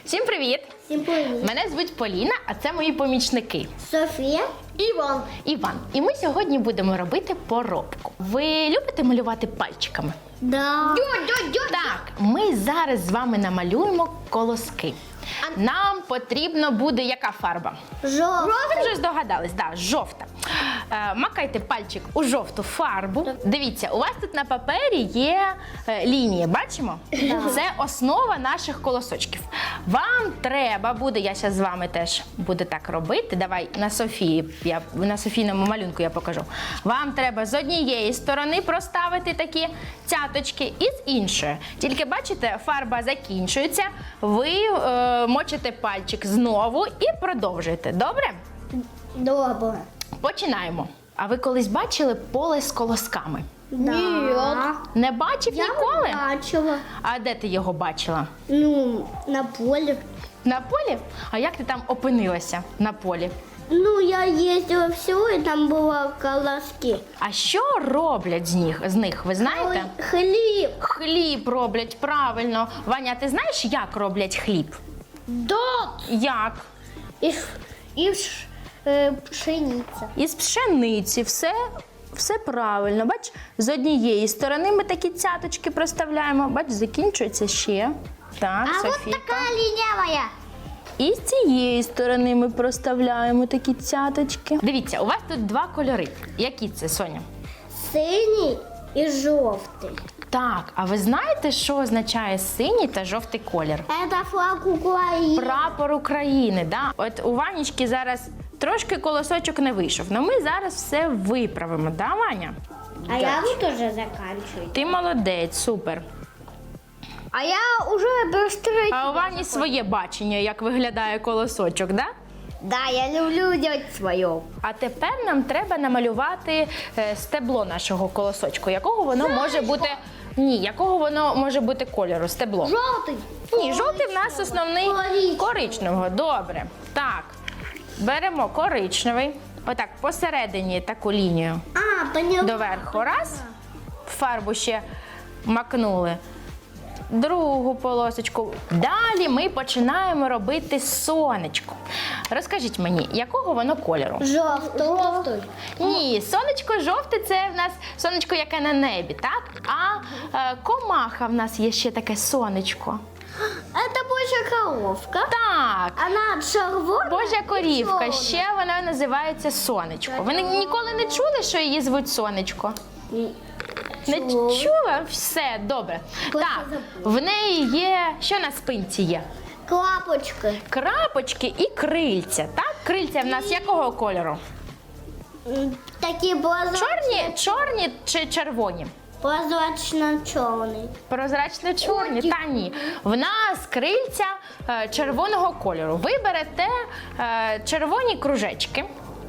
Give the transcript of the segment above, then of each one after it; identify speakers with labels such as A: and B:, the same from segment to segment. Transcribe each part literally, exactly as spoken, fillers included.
A: Всім привіт!
B: Всім привіт!
A: Мене звуть Поліна, а це мої помічники.
B: Софія і Іван.
A: Іван. І ми сьогодні будемо робити поробку. Ви любите малювати пальчиками?
B: Да.
A: Так, ми зараз з вами намалюємо колоски. Нам потрібно буде яка фарба?
B: Жовта.
A: Ви вже здогадались, да, жовта. Е, макайте пальчик у жовту фарбу. Дивіться, у вас тут на папері є е, лінії, бачимо? Це основа наших колосочків. Вам треба буде, я зараз з вами теж буду так робити. Давай на Софії, я, на Софійному малюнку я покажу. Вам треба з однієї сторони проставити такі цяточки і з іншої. Тільки бачите, фарба закінчується, ви е, мочите пальчик знову і продовжуєте. Добре?
B: Добре.
A: Починаємо. А ви колись бачили поле з колосками?
B: Да. Ні.
A: Не бачив
B: Я
A: ніколи?
B: бачила.
A: А де ти його бачила?
B: Ну, на полі.
A: На полі? А як ти там опинилася на полі?
B: Ну, я їздила в село, і там були колоски.
A: А що роблять з них, з них ви знаєте?
B: Ой, хліб.
A: Хліб роблять, правильно. Ваня, ти знаєш, як роблять хліб?
B: Дот.
A: Як?
B: І, ш- і ш- е, пшениця.
A: Із пшениці, все, все правильно. Бач, з однієї сторони ми такі цяточки проставляємо. Бач, закінчується ще. Так,
B: А от
A: Софійка.
B: така лінявая.
A: І з цієї сторони ми проставляємо такі цяточки. Дивіться, у вас тут два кольори. Які це, Соня?
B: Синій і жовтий.
A: Так, а ви знаєте, що означає синій та жовтий колір?
B: Це флаг України.
A: Прапор України, да? От у Ванечки зараз трошки колосочок не вийшов, але ми зараз все виправимо, да, Ваня?
B: А я вот уже заканчиваю.
A: Ти молодець, супер.
B: А я уже быстрее.
A: А у Вані своє бачення, як виглядає колосочок, да?
B: Да, я люблю делать свое.
A: А тепер нам треба намалювати е, стебло нашого колосочку. Якого воно може бути? Ні, якого воно може бути кольору? Стебло.
B: Желтый.
A: Ні, жовтий в нас основний
B: Коричневий.
A: коричневого. Добре. Так. Беремо коричневий. Отак, посередині таку лінію.
B: А, поняла.
A: Доверху. Раз. Фарбу ще макнули. Другу полосочку. Далі ми починаємо робити сонечко. Розкажіть мені, якого воно кольору?
B: Желтый. Желтый.
A: Ні, сонечко жовте – це в нас сонечко, яке на небі, так? А е, комаха в нас є ще таке сонечко.
B: Это больше коровка.
A: Так.
B: Она червона.
A: Божа корівка,
B: чорна.
A: ще вона називається сонечко. Ви ні- ніколи не чули, що її звуть сонечко? Не
B: Чула.
A: чула? Все, добре.
B: Просто
A: Так,
B: забула.
A: в неї є, що на спинці є?
B: Клапочка.
A: Крапочки і крильця, так? Крильця в нас якого кольору?
B: М, Такие прозрачно,
A: Чорні, чорні чи червоні?
B: прозрачно-черный.
A: Прозрачно-чорні? Та ні. В нас крильця е, червоного кольору. Ви берете е, червоні кружечки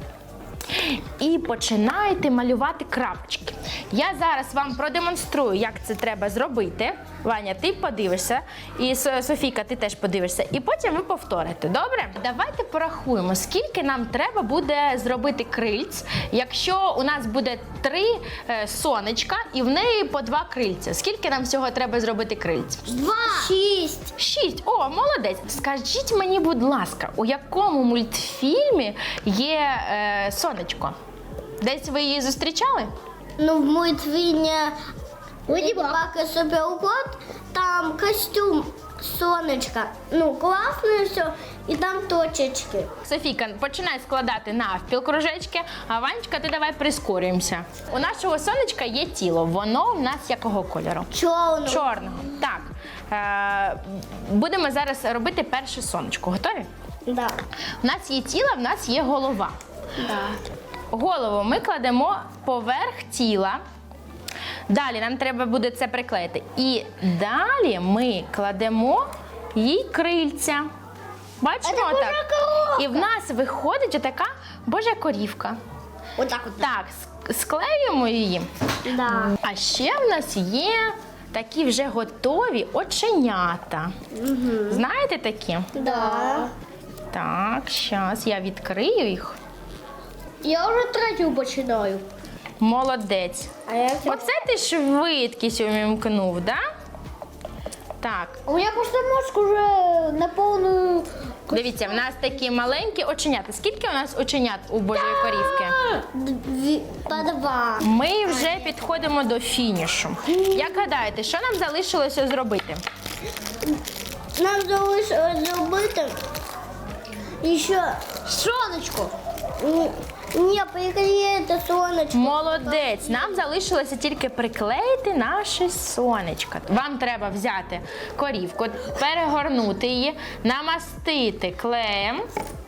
A: і починаєте малювати крапочки. Я зараз вам продемонструю, як це треба зробити. Ваня, ти подивишся, і Со- Софійка, ти теж подивишся. І потім ви повторите, добре? Давайте порахуємо, скільки нам треба буде зробити крильць, якщо у нас буде три е, сонечка і в неї по два крильця. Скільки нам всього треба зробити крильць?
B: Два. Шесть.
A: Шість. О, молодець. Скажіть мені, будь ласка, у якому мультфільмі є е, сонечко? Десь ви її зустрічали?
B: Ну, в мультфильме «Леди Баг и Суперкот» там костюм сонечка. Ну, классно все. И там точечки.
A: Софійка, починай складати навпіл кружечки, а Ванечка, ти давай прискорюємося. У нашого сонечка є тіло. Воно в нас якого кольору?
B: Черный.
A: Чорного. Так. Е, будемо зараз робити перше сонечко. Готові?
B: Да.
A: У нас є тіло, в нас є голова.
B: Да.
A: Голову ми кладемо поверх тіла. Далі нам треба буде це приклеїти. І далі ми кладемо їй крильця. Бачимо
B: Це Божа
A: так?
B: коровка.
A: І в нас виходить отака Божа корівка.
B: Вот так вот.
A: Так, ск- склеюємо її.
B: Да.
A: А ще в нас є такі вже готові оченята. Знаєте такі?
B: Да.
A: Так, зараз я відкрию їх.
B: Я уже третью починаю.
A: Молодець.
B: А я
A: Оце ти швидкість увімкнув, да? Так.
B: У меня просто мозг уже на полную
A: Дивіться, в нас такі маленькі оченята. Скільки у нас оченят у Божої корівки?
B: Дві, по два.
A: Ми вже підходимо до фінішу. Як гадаєте, що нам залишилося зробити?
B: Нам залишилось зробити ще
C: Сонечко.
B: ні, ні, приклеїти сонечко.
A: Молодець! Нам залишилося тільки приклеїти наше сонечко. Вам треба взяти корівку, перегорнути її, намастити клеєм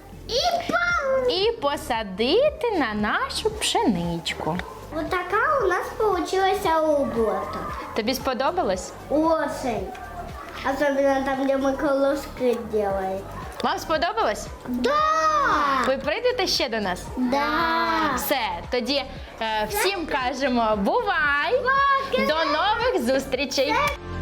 A: і посадити на нашу пшеничку.
B: Вот така у нас получилась робота.
A: Тобі сподобалось?
B: Очень. Особенно там, где мы колоски делаем.
A: Вам сподобалось?
B: Да!
A: Ви прийдете ще до нас?
B: Да!
A: Все, тоді е, всім кажемо бувай! До нових зустрічей!